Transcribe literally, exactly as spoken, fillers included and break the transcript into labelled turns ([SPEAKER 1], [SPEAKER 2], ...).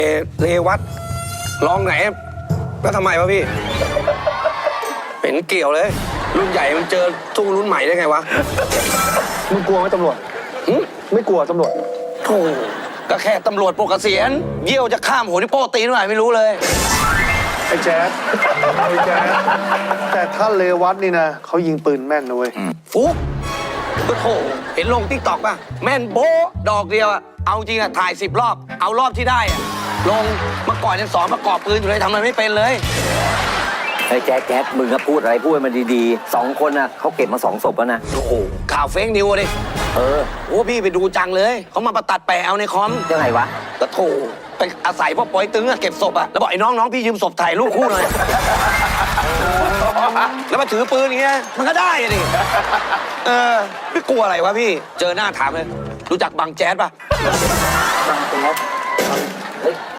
[SPEAKER 1] เอเรวัตลองไหนแล้วทำไมวะพี่เป็นเกี่ยวเลยรุ่นใหญ่มันเจอสู้รุ่นใหม่ได้ไงวะ
[SPEAKER 2] มึงกลัวไหมตำรวจไม่กลัวตำรวจ
[SPEAKER 1] โธ่ก็แค่ตำรวจปกเกษียณเยี่ยวจะข้ามหัวที่โป้ตีนหน่อยไม่รู้เลย
[SPEAKER 2] ไอ้แจ๊ดไอ้แจ๊ดแต่ถ้าเลวัตนี่นะเขายิงปืนแม่นนะเว้ย
[SPEAKER 1] ฟุ๊กก็โถเห็นลงติ๊กต็อกป่ะแม่นโบ๊ะดอกเดียวอะเอาจริงอะถ่ายสิบรอบเอารอบที่ได้อะลงเมื่อก่อนยังสอนประกอบปืนอยู่เลยทำอะไรไม่เป็นเลย
[SPEAKER 3] ไอ้แจ๊ดแจ๊ดมึงก็พูดอะไรพูดมันดีๆสองคนน่ะเขาเก็บมาสองศพแล้วนะ
[SPEAKER 1] โอ้โหข่าวเฟกนิวดิ
[SPEAKER 3] เออ
[SPEAKER 1] โอ้พี่ไปดูจังเลยเขามาประตัดแปะเอาในคอม
[SPEAKER 3] ยังไงวะ
[SPEAKER 1] ก็โถไปอาศัยพ่อปอยตึงอะเก็บศพอะแล้วบอกไอ้น้องน้องพี่ยืมศพถ่ายรูปคู่หน่อยแล้วมาถือปืนอย่างเงี้ยมันก็ได้ดิเออไม่กลัวอะไรวะพี่เจอหน้าถามเลยรู้จักบังแจ๊ดป่ะ
[SPEAKER 3] บังแจ๊ด